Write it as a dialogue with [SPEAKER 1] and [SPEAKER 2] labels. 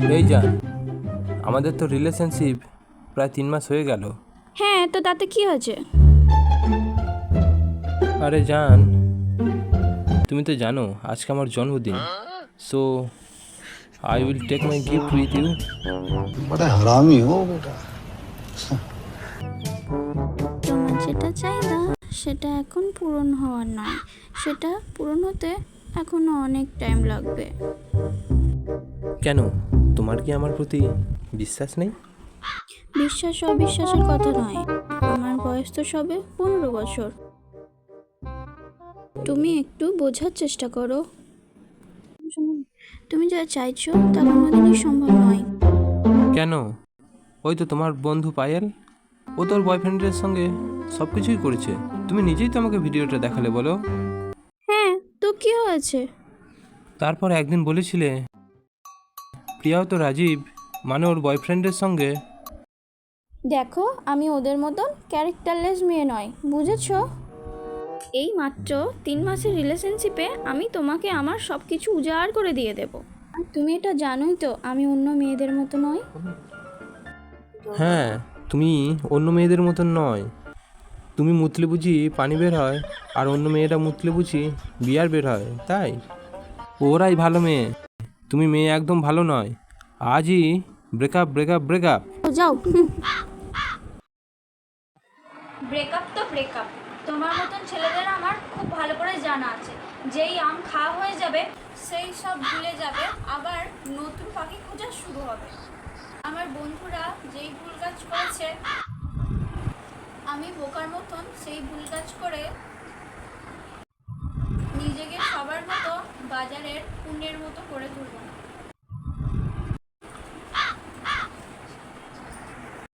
[SPEAKER 1] এই জান, আমাদের তো রিলেশনশিপ প্রায় 3 মাস হয়ে গেল।
[SPEAKER 2] হ্যাঁ, তো তাতে কি হয়েছে?
[SPEAKER 1] আরে জান, তুমি তো জানো আজকে আমার জন্মদিন। So I will take my gift with you.
[SPEAKER 3] बड़ा हरामी हो बेटा।
[SPEAKER 2] তোমার যেটা চাহিদা সেটা এখন পূরণ হওয়ার নয়, সেটা পূরণ হতে এখনো অনেক টাইম লাগবে।
[SPEAKER 1] কেন, তোমার কি আমার প্রতি বিশ্বাস নেই?
[SPEAKER 2] বিশ্বাস অবিশ্বাসের কথা নয়, আমার বয়স তো সবে 15 বছর। তুমি একটু বোঝার চেষ্টা করো। তুমি যা চাইছো তা কোনোদিনই সম্ভব নয়।
[SPEAKER 1] কেন? ওই তো তোমার বন্ধু পায়েল, ও তোর বয়ফ্রেন্ডের সঙ্গে সব কিছুই করেছে। তুমি নিজেই তো আমাকে ভিডিওটা দেখালে, বলো।
[SPEAKER 2] হ্যাঁ, তো কি হয়েছে?
[SPEAKER 1] তারপর একদিন বলেছিলে প্রিয়াও তো রাজীব মানে ওর বয়ফ্রেন্ডের সঙ্গে।
[SPEAKER 2] দেখো, আমি ওদের মতন ক্যারেক্টারলেস মেয়ে নয়, বুঝেছো? এই মাত্র 3 মাসের রিলেশনশিপে আমি তোমাকে আমার সব কিছু উজাড় করে দিয়ে দেব। আর তুমি এটা জানোই তো আমি অন্য মেয়েদের মতো নই।
[SPEAKER 1] হ্যাঁ, তুমি অন্য মেয়েদের মতন নয়। তুমি মুতলে বুঝি পানি বের হয়, আর অন্য মেয়েরা মুতলে বুঝি বিয়ার বের হয়, তাই? ওরাই ভালো মেয়ে, তুমি মেয়ে একদম ভালো নয়। আজই ব্রেকআপ ব্রেকআপ ব্রেকআপ।
[SPEAKER 2] তো যাও। ব্রেকআপ তো ব্রেকআপ, তোমার মতন ছেলেদের আমার খুব ভালো করে জানা আছে। যেই আম খাওয়া হয়ে যাবে সেই সব ভুলে যাবে, আবার নতুন পাখি খোঁজা শুরু হবে। আমার বন্ধুরা যেই ভুল কাজ করেছে, আমি বোকার মতন সেই ভুল কাজ করে নিজেকে সবার মতো বাজারের পুণ্যের মতো করে তুলব।